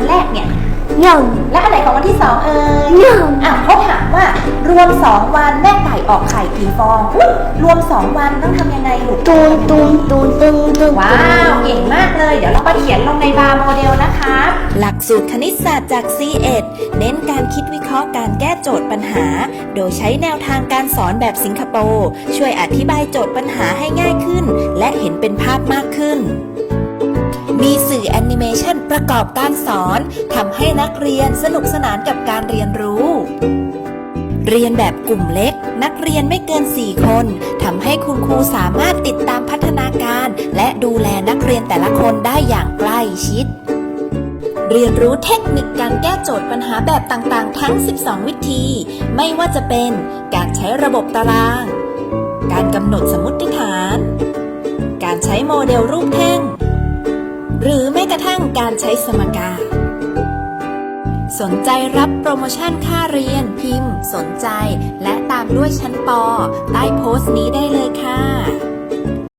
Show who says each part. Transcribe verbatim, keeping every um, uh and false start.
Speaker 1: แรกเนี่ย
Speaker 2: หนึ่ง
Speaker 1: และอันไหนของวันที่สองเอ่ย
Speaker 2: หนึ่ง
Speaker 1: อ่ะเขาถามว่ารวมสองวันแม่ไก่ออกไข่กี่ฟองอุ๊ยรวมสองวันต้องทำยังไงลูก
Speaker 2: ตูนตูนตูนตูนตูน
Speaker 1: ว้าวเก่งมากเลยเดี๋ยวเราไปเขียนลงในบาร์โมเดลนะคะหลักสูตรคณิตศาสตร์จาก ซี เอ็ด เน้นการคิดวิเคราะห์การแก้โจทย์ปัญหาโดยใช้แนวทางการสอนแบบสิงคโปร์ช่วยอธิบายโจทย์ปัญหาให้ง่ายขึ้นและเห็นเป็นภาพมากขึ้นมีสื่อแอนิเมชันประกอบการสอนทำให้นักเรียนสนุกสนานกับการเรียนรู้เรียนแบบกลุ่มเล็กนักเรียนไม่เกินสี่คนทำให้คุณครูสามารถติดตามพัฒนาการและดูแลนักเรียนแต่ละคนได้อย่างใกล้ชิดเรียนรู้เทคนิคการแก้โจทย์ปัญหาแบบต่างๆทั้งสิบสองวิธีไม่ว่าจะเป็นการใช้ระบบตารางการกำหนดสมมติฐานการใช้โมเดลรูปแท่งหรือแม้กระทั่งการใช้สมการสนใจรับโปรโมชั่นค่าเรียนพิมพ์สนใจและตามด้วยชั้นป.ใต้โพสต์นี้ได้เลยค่ะ